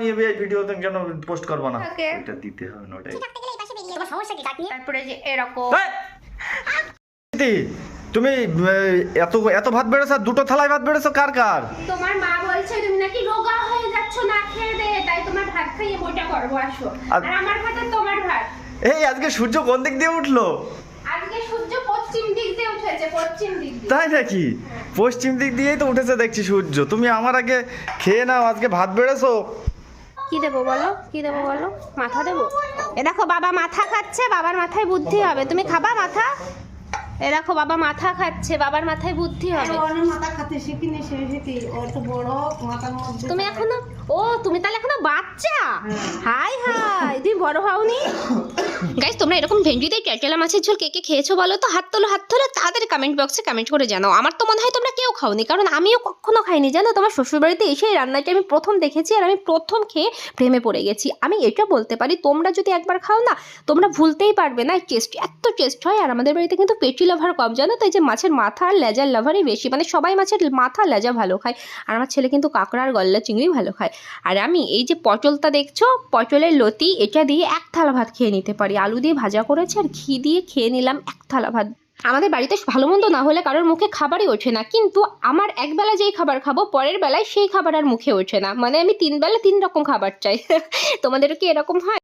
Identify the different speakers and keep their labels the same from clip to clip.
Speaker 1: আমি এই ভিডিওতে কেন পোস্ট করব না, এটা দিতে হবে না। ওটাই
Speaker 2: তোমার সমস্যা কি কাটনি? তারপরে যে এরকম
Speaker 1: তুমি এত এত ভাত বেড়েছো, দুটো থালায় ভাত বেড়েছো, কার কার?
Speaker 2: তোমার মা বলছে তুমি নাকি রোগা হয়ে যাচ্ছ না খেয়ে দে, তাই তোমার ভাত খাইয়ে বইটা করবো আসো। আর আমার ভাত আর তোমার ভাত।
Speaker 1: এই আজকে সূর্য কোন দিক দিয়ে উঠলো?
Speaker 2: আজকে সূর্য পশ্চিম দিক দিয়ে উঠেছে, পশ্চিম দিক দিয়ে।
Speaker 1: তাই নাকি? পশ্চিম দিক দিয়েই তো উঠেছে দেখছি সূর্য। তুমি আমার আগে খেয়ে নাও, আজকে ভাত বেড়েছো।
Speaker 2: কি দেবো বলো, কি দেবো বলো? মাথা দেবো? এ দেখো বাবা মাথা খাচ্ছে, বাবার মাথায় বুদ্ধি হবে। তুমি খাবা মাথা? এ দেখো বাবা মাথা খাচ্ছে, বাবার মাথায় বুদ্ধি হবে।
Speaker 3: মাথা খাতে শিখিনি, সেটি অত বড় মাথার মধ্যে।
Speaker 2: তুমি এখনো, ও তুমি তাহলে এখনো বাচ্চা? হাই হাই, তুমি বড় হওনি। গাইস, তোমরা এরকম ভেন্ডি দিয়ে ক্যাটেলা মাছের ঝোল কে কে খেয়েছো বলো তো? হাত তোলো, হাত তোলো, তাদের কমেন্ট বক্সে কমেন্ট করে জানাও। আমার তো মনে হয় তোমরা কেউ খাওনি, কারণ আমিও কখনো খাইনি। জানো, তোমার শ্বশুরবাড়িতে এসে এই রান্নাটা আমি প্রথম দেখেছি, আর আমি প্রথম খেয়ে প্রেমে পড়ে গেছি। আমি এটা বলতে পারি, তোমরা যদি একবার খাও না, তোমরা ভুলতেই পারবে না। টেস্ট এত টেস্ট হয়। আর আমাদের বাড়িতে কিন্তু পেটি লাভার কম, জানো, তাই যে মাছের মাথা আর লেজার লাভারই বেশি। মানে সবাই মাছের মাথা লেজা ভালো খায়, আর আমার ছেলে কিন্তু কাঁকড়া আর গলদা চিংড়ি ভালো খায়। আর আমি এই যে পটলটা দেখছো, পটলের লতি, এটা দিয়ে এক থালা ভাত খেয়ে নিতে পারি। আলু দিয়ে ভাজা করেছে আর ঘি দিয়ে খেয়ে নিলাম এক থালা ভাত। আমাদের বাড়িতে ভালো মন্দ না হলে কারোর মুখে খাবারই ওঠে না, কিন্তু আমার একবেলা যেই খাবার খাবো, পরের বেলায় সেই খাবার আর মুখে ওঠে না। মানে আমি 3 বেলা 3 রকম খাবার চাই। তোমাদের কি এরকম হয়?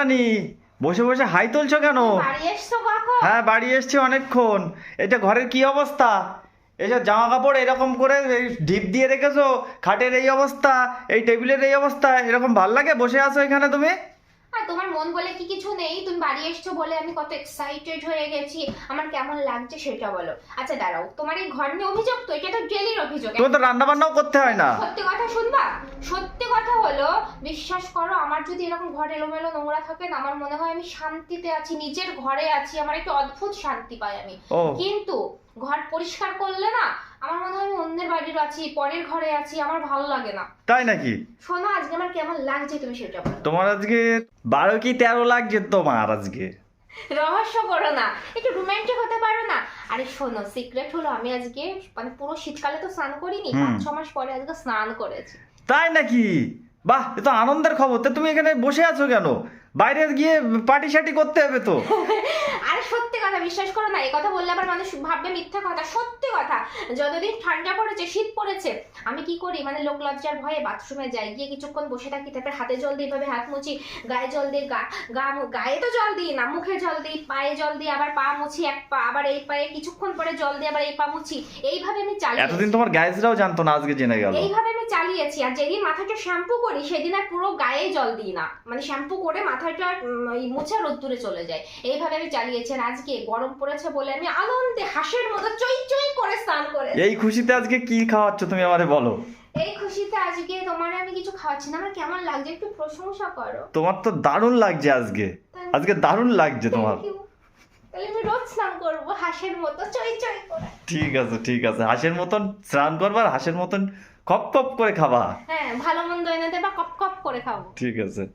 Speaker 1: বসে বসে হাই তুলছো কেন?
Speaker 2: বাড়ি এসছো কখন?
Speaker 1: হ্যাঁ, বাড়ি এসছি অনেকক্ষণ। এটা ঘরের কি অবস্থা? এসব জামা কাপড় এরকম করে ঢিপ দিয়ে রেখেছো, খাটের এই অবস্থা, এই টেবিলের এই অবস্থা, এরকম ভাল লাগে বসে আছো এখানে তুমি?
Speaker 2: আর তোমার মন বলে কি কিছু নেই? তুমি বাড়ি এসছো বলে আমি কত এক্সাইটেড হয়ে গেছি। আমার কেমন লাগছে সেটা বলো। আচ্ছা দাঁড়াও, তোমার এই ঘর নিয়ে অভিযোগ তো? এটা তো ডেলির অভিযোগ।
Speaker 1: তোমার তো রান্না বান্নাও করতে হয় না।
Speaker 2: সত্যি কথা শুনবা? সত্যি কথা হলো, বিশ্বাস করো, আমার যদি এরকম ঘর এলোমেলো নোংরা থাকে না, আমার মনে হয় আমি শান্তিতে আছি, নিজের ঘরে আছি। আমার একটা অদ্ভুত শান্তি পাই আমি। কিন্তু ঘর পরিষ্কার করলে না, আমার মনে হয় আমি অন্যের বাড়ির আছি, পরের ঘরে আছি, আমার ভালো লাগে না।
Speaker 1: তাই নাকি?
Speaker 2: শোনো, আজকে আমার কেমন লাগছে তুমি সেটা বলো।
Speaker 1: তোমার আজকে 12 কি 13 লাগছে তোমার আজকে।
Speaker 2: রহস্য করো না, একটু রোমান্টিক হতে পারো না? আরে শোনো, সিক্রেট হলো, আমি আজকে মানে পুরো শীতকালে তো স্নান করিনি, 5-6 মাস পরে আজকে স্নান করেছি।
Speaker 1: তাই নাকি? বাহ, এ তো আনন্দের খবর। তো তুমি এখানে বসে আছো কেন? বাইরে গিয়ে পার্টি শার্টি করতে হবে তো।
Speaker 2: আরে সত্যি কথা, বিশ্বাস করো না, এই কথা বললে আবার মানুষ ভাববে মিথ্যা কথা। সত্যি কথা, যতদিন ঠান্ডা পড়েছে, শীত পড়েছে, আমি কি করি মানে লোক লজ্জার ভয়ে বাথরুমে যাই, গিয়ে কিছুক্ষণ বসে থাকি, তারপরে হাতে জল দিই, এভাবে হাত মুছি, গায়ে জল দিই, গায়ে তো জল দিই না, মুখে জল দিই, পায়ে জল দিই, আবার পা মুছি, এক পা, আবার এই পায়ে কিছুক্ষণ পরে জল দিই, আবার এই পা মুছি। এইভাবে আমি চালিয়ে,
Speaker 1: এতদিন তোমার গাইজরাও জানতো না, আজকে জেনে গেল।
Speaker 2: এইভাবে আমি চালিয়েছি। আর যেদিন মাথাটা শ্যাম্পু করি, সেদিন আর পুরো গায়ে জল দিই না, মানে শ্যাম্পু করে মাথাটা মুছে রোদ্দুরে চলে যায়। এইভাবে আমি চালিয়েছি। আর আজকে গরম পড়েছে বলে আমি আনন্দে হাঁসের মতো চই চই করে স্নান করে।
Speaker 1: এই খুশিতে আজকে কি খাওয়াচ্ছ তুমি আমারে বলো?
Speaker 2: এই খুশিতে আজকে তোমার আমি কিছু খাওয়াচ্ছি না। আমার কেমন লাগছে একটু প্রশংসা করো।
Speaker 1: তোমার তো দারুণ লাগছে আজকে। আজকে দারুণ লাগছে তোমার।
Speaker 2: তাহলে আমি রোজ স্নান করবো হাঁসের মতো চই চই করে।
Speaker 1: ঠিক আছে, ঠিক আছে, হাঁসের মতন স্নান করবা, হাঁসের মতন খপ খপ করে খাবা।
Speaker 2: হ্যাঁ, ভালো মন্দ এনে দেবা, কপ কপ করে খাবো।
Speaker 1: ঠিক আছে,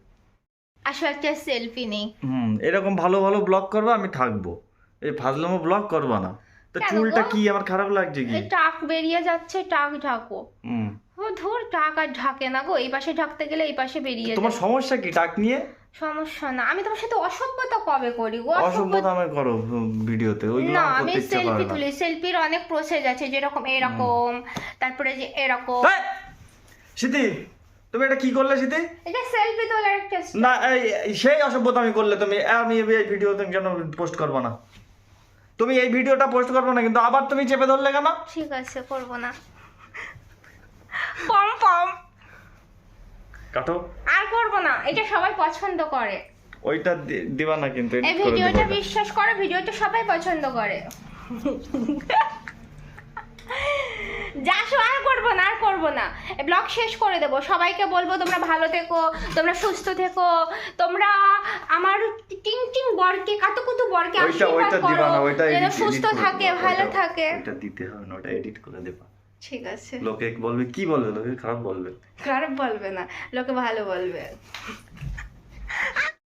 Speaker 2: আসো একটা সেলফি নেই।
Speaker 1: এরকম ভালো ভালো ব্লগ করবা, আমি থাকবো। এই ফাজলামো ব্লগ করবা না তো। চুলটা কি আমার খারাপ লাগছে কি?
Speaker 2: টাক বেরিয়ে যাচ্ছে, টাক ঢাকো। ও ধুর, টাক আর ঢাকে না গো, এই পাশে ঢাকতে গেলে এই পাশে বেরিয়ে যায়।
Speaker 1: তোমার সমস্যা কি টাক নিয়ে?
Speaker 2: সমস্যা না, আমি তোমার সাথে অসভ্যতা কবে করি গো?
Speaker 1: অসভ্যতা আমি করো ভিডিওতে, ওইগুলো
Speaker 2: না,
Speaker 1: আমার
Speaker 2: আমি
Speaker 1: করতে ইচ্ছা করে
Speaker 2: সেলফি
Speaker 1: না।
Speaker 2: তুলি। সেলফির অনেক প্রসেস আছে, যেরকম এরকম, তারপরে যে এরকম।
Speaker 1: সিদ্ধি, তুমি এটা কি করলে সিদ্ধি?
Speaker 2: এটা সেলফি তোলার একটা
Speaker 1: না, সেই অসভ্যতা আমি করলে তুমি, আমি এই ভিডিওতে কেন পোস্ট করবো না? তুমি এই ভিডিওটা পোস্ট করবো না, কিন্তু আবার তুমি চেপে ধরলে কেন?
Speaker 2: ঠিক আছে, করব না। পম পম
Speaker 1: কাটো।
Speaker 2: আর করব না, এটা সবাই পছন্দ করে।
Speaker 1: ওইটা দিবা না কিন্তু,
Speaker 2: এই ভিডিওটা বিশ্বাস করো, ভিডিওটা সবাই পছন্দ করে। যাসো, আর করবো না, আর করবো না। ব্লগ শেষ করে দেবো। সবাইকে বলবো তোমরা ভালো থেকো, তোমরা সুস্থ থেকো, তোমরা আমার টিং টিং বরকে, কাতুকুতু বরকে আশীর্বাদ করো, যেন সুস্থ থাকে, ভালো থাকে।
Speaker 1: এটা দিতে হবে না, ওটা এডিট করে দেবা।
Speaker 2: ঠিক আছে।
Speaker 1: লোকে বলবে কি বলবে? লোকে খারাপ বলবে।
Speaker 2: খারাপ বলবে না, লোকে ভালো বলবে।